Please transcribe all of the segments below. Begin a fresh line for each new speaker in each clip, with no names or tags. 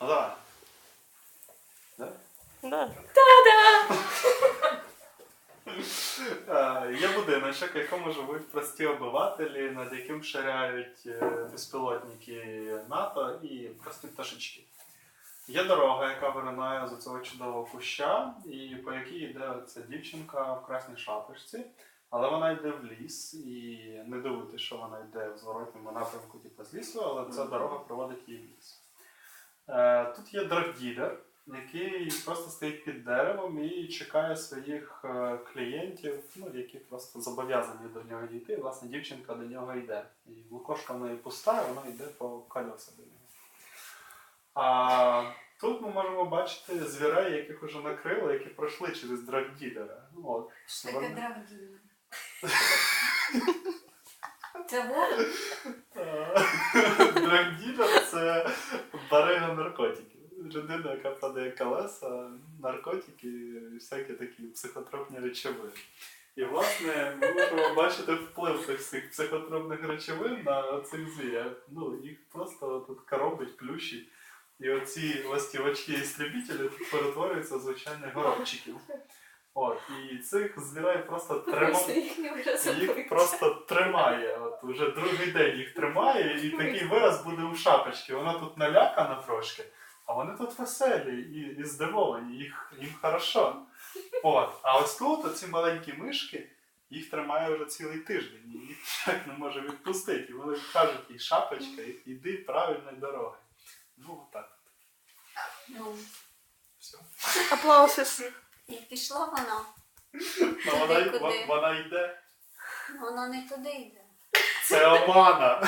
Ну давай. Да?
Да.
Є будиночок, в якому живуть прості обивателі, над яким ширяють безпілотники НАТО і прості пташечки. Є дорога, яка виринає з цього чудового куща, і по якій йде ця дівчинка в красній шапочці. Але вона йде в ліс, і не дивуйтесь, що вона йде в зворотньому напрямку, типу з лісу, але ця дорога проводить її в ліс. Тут є драгділер, який просто стоїть під деревом і чекає своїх клієнтів, ну, які просто зобов'язані до нього дійти. І, власне, дівчинка до нього йде. І лукошка в неї пуста, і вона йде по колеса до нього. А тут ми можемо бачити звірей, яких вже накрили, які пройшли через драгділера. Ну,
Що таке драгділер? Це ворог?
Драгділер – це барига наркотиків. Людина, яка продає колеса, наркотики і всякі такі психотропні речовини. І, власне, ми можемо бачити вплив цих всіх психотропних речовин на цих звірів. Ну, їх просто тут коробить, плющить. І оці ластівочки-істребітелі тут перетворюються в звичайних горобчиків. От, і цих звірей просто їх просто тримає. От, уже другий день їх тримає, і такий вираз буде у шапочці. Вона тут налякана трошки, а вони тут веселі і здивовані, їм хорошо. От, а ось тут оці маленькі мишки, їх тримає вже цілий тиждень, і їх ніяк не може відпустити. І вони кажуть їй, шапочка, іди правильною дорогою. Ну, отак.
Ну,
Все.
Аплаусис.
і пішло воно.
Ну, вона йде.
Воно не туди йде.
Це омана.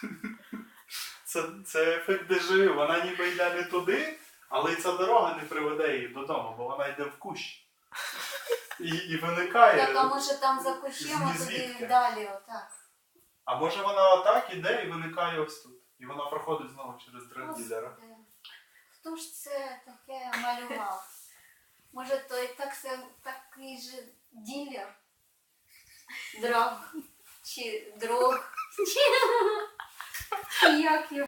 Це ефект дежавю. Вона ніби йде не туди, але й ця дорога не приведе її додому, бо вона йде в кущ. І виникає.
Так, а може там за кущем, а туди далі, отак.
А може вона отак іде і виникає ось тут. І вона проходить знову через драгділера.
Господи, хто ж це таке малював? Може той такий же ділер? Драг? Чи дрог? Чи як його?